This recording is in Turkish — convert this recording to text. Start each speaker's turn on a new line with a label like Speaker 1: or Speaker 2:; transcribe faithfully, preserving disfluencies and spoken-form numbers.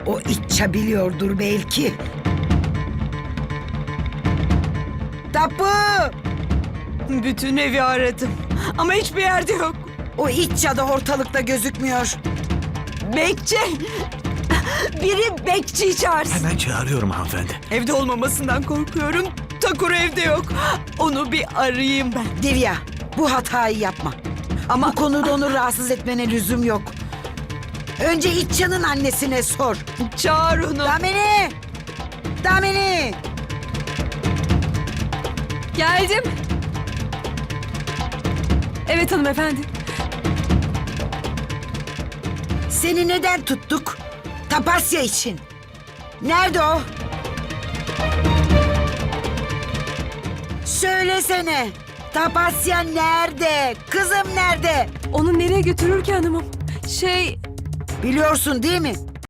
Speaker 1: O İtça biliyordur belki. Tapu!
Speaker 2: Bütün evi aradım ama hiçbir yerde yok.
Speaker 1: O İtça da ortalıkta gözükmüyor.
Speaker 2: Bekçi! Biri bekçi çağırsın.
Speaker 3: Hemen çağırıyorum hanımefendi.
Speaker 2: Evde olmamasından korkuyorum. Takuru evde yok. Onu bir arayayım ben.
Speaker 1: Divya, bu hatayı yapma. Ama bu konuda onu rahatsız etmene lüzum yok. Önce İtça'nın annesine sor.
Speaker 2: Çağır onu.
Speaker 1: Damini! Damini!
Speaker 4: Geldim. Evet hanımefendi.
Speaker 1: Seni neden tuttuk? Tapasya için. Nerede o? Söylesene. Tapasya nerede? Kızım nerede?
Speaker 4: Onu nereye götürür ki hanımım? Şey,
Speaker 1: Biliyorsun değil mi?